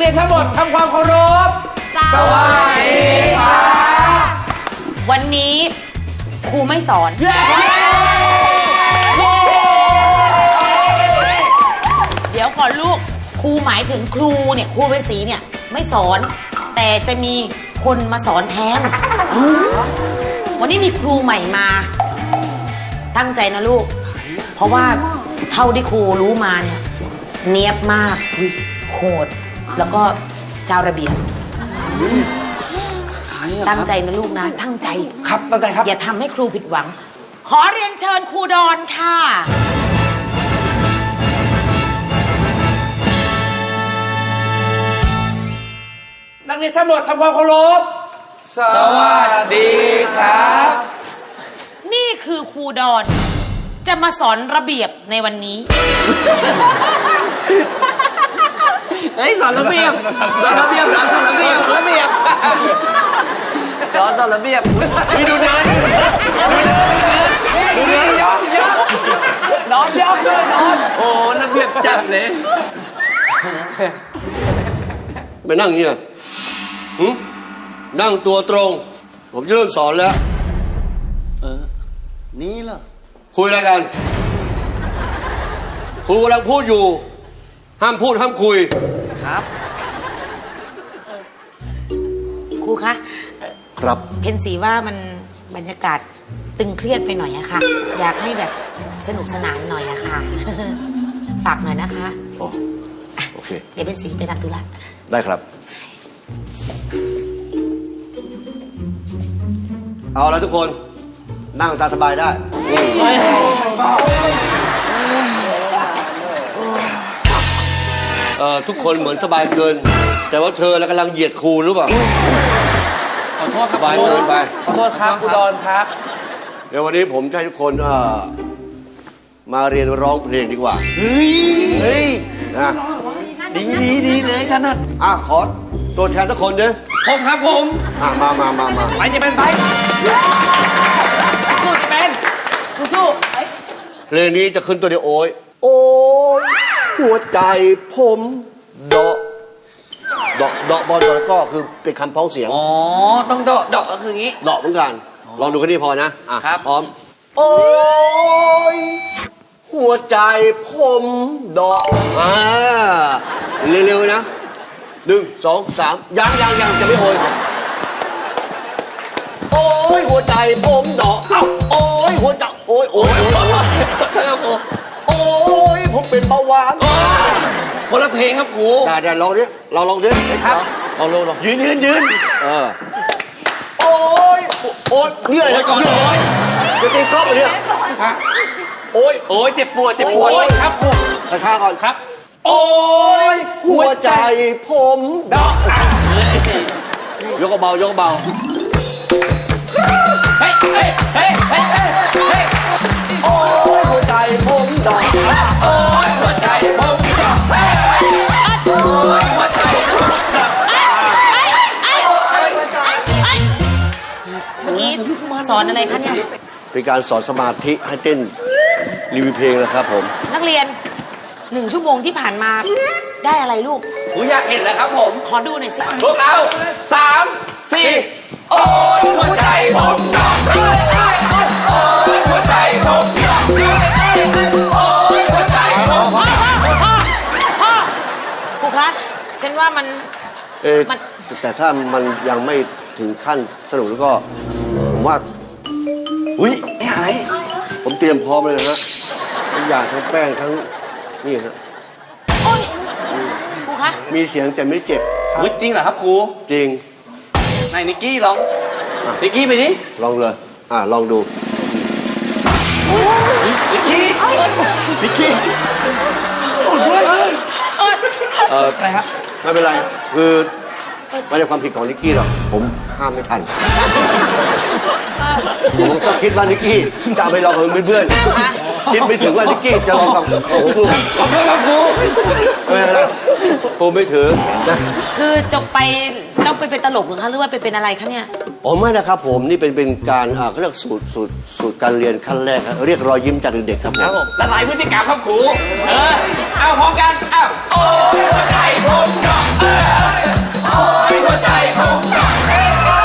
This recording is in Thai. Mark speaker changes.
Speaker 1: เรียนทั้งหมดทำความเคารพสวัสดีครับ
Speaker 2: วันนี้ครูไม่สอนเดี๋ยวก่อนลูกครูหมายถึงครูเนี่ยครูฤาษีเนี่ยไม่สอนแต่จะมีคนมาสอนแทนวันนี้มีครูใหม่มาตั้งใจนะลูกเพราะว่าเท่าที่ครูรู้มาเนี่ยเนียบมากโหดแล้วก็เจ้าระเบียบตั้งใจนะลูกนะตั้งใจ
Speaker 1: ครับตั้งใจครับ
Speaker 2: อย่าทำให้ครูผิดหวังขอเรียนเชิญครูดอนค่ะ
Speaker 1: นักเรียนทั้งหมดทำความเคารพสวัสดีครับ
Speaker 2: นี่คือครูดอนจะมาสอนระเบียบในวันนี้
Speaker 1: เฮ้ยสอนระเบียบสอนระเบียบสอนระเบียบระเบียบสอนระเบียบมีดูเดินยอมนอนยอมด้วยนอนโอ้ระเบียบจัดเลย
Speaker 3: ไปนั่งเงี้ยนั่งตัวตรงผมจะเริ่มสอนแล้ว
Speaker 1: นี่เหรอ
Speaker 3: คุยอะไรกันครูกำลังพูดอยู่ห้ามพูดห้ามคุย
Speaker 1: ครับ
Speaker 2: ครูคะ
Speaker 3: ครับ
Speaker 2: เพนสีว่ามันบรรยากาศตึงเครียดไปหน่อยอะค่ะอยากให้แบบสนุกสนานหน่อยอะค่ะฝากหน่อยนะคะ
Speaker 3: โอเค
Speaker 2: เดี๋ยวเพนสีไปทำธุระ
Speaker 3: ได้ครับเอาละทุกคนนั่งตามสบายได้ทุกคนเหมือนสบายเกินแต่ว่าเธอแล้วกำลังเหยียดครูหรือเปล่า
Speaker 1: ขอโทษครับ
Speaker 3: สบายเกินไป
Speaker 1: ขอโทษครับครูดอนครับ
Speaker 3: เดี๋ยววันนี้ผมจะให้ทุกคนมาเรียนร้องเพลงดีกว่า
Speaker 1: เฮ้ย
Speaker 3: นะ
Speaker 1: ดีเลยท่านนัท
Speaker 3: ขอตัวแทนสักคนเด้อ
Speaker 1: ผมครับผม
Speaker 3: มา
Speaker 1: ไปจะเป็นไปสู้จะเป็นสู้
Speaker 3: เพลงนี้จะขึ้นตัวเดียวโอ้ยหัวใจผมเดาะบอลก็คือเป็นคำพ้องเสียง
Speaker 1: ต้องเดาะก็คืองี้
Speaker 3: เดาะเหมือนกันลองดูแค่นี้พอนะครับพร้อมโอ้ยหัวใจผมเดาะเร็วๆนะ1 2 3ยังจะไม่โอยโอ้ยหัวใจผมเดาะโอ้ยหัวใจโอ้ยผมเป็นเบาหวาน
Speaker 1: คนละเพลงครับครู
Speaker 3: ได้ลองดิเราลองดิ
Speaker 1: ครับ
Speaker 3: ลองยืนโอ้ยนี่อะไรก่อนจะตีกล้องเลยเนี่ยโอ้ย
Speaker 1: เจ็บปวดครับครู
Speaker 3: ช้าก่อน
Speaker 1: ครับ
Speaker 3: โอ้ยหัวใจผมเดาะยกเบา
Speaker 1: เฮ้ย
Speaker 3: โอ้ยหัวใจผมเดาะ
Speaker 1: โอ้ยหัวใจผมเดาะโอ้ยหัวใจผมเดาะ
Speaker 2: เมื่อกี้สอนอะไรคะเนี่ย
Speaker 3: เป็นการสอนสมาธิให้เต้นรีวิวเพลงนะครับผม
Speaker 2: นักเรียน1 ชั่วโมงที่ผ่านมาได้อะไรลูก
Speaker 1: อยากเห็นแล้วครับผม
Speaker 2: ขอดูหน่อยสิ
Speaker 1: พวกเรา3 4โอ้ยหัวใจผมเดาะโอ้ยหัวใจผมเดาะโอ้ยหัวใจผม
Speaker 2: พ่อครูคะฉันว่ามัน
Speaker 3: แต่ถ้ามันยังไม่ถึงขั้นสนุกแล้วก็ผมว่า
Speaker 1: อะไร
Speaker 3: ผมเตรียมพร้อมเลยนะฮะทุกอย่างทั้งแป้งทั้งนี่ฮะ
Speaker 2: ครูคะ
Speaker 3: มีเสียงแต่ไม่เจ็บ
Speaker 1: จริงเหรอครับครู
Speaker 3: จริง
Speaker 1: นายนิกกี้ลองนิกกี้ไปดิ
Speaker 3: ลองเลยลองดู
Speaker 1: นิกกี้
Speaker 3: อะไรครับไม่เป็นไรคือไม่ได้ความผิดของนิกกี้หรอกผมห้ามไม่ทันผมก็คิดว่านิกกี้จะไปลองกับเพื่อนคิดไม่ถึงว่านิกกี้จะลองกับครู
Speaker 1: ขอบคุณครับครู
Speaker 3: ครูไม่ถือนะ
Speaker 2: คือจบไปต้องไปเป็นตลกหรือคะหรือว่าไปเป็นอะไรคะเนี่ย
Speaker 3: ไม่นะครับผมนี่เป็นการเขาเรียกสูตรการเรียนขั้นแรกเรียกรอยยิ้มจากเด็กๆครับผม
Speaker 1: ละลายพฤติกรรมครับครูเอาพร้อมกันโอ้ย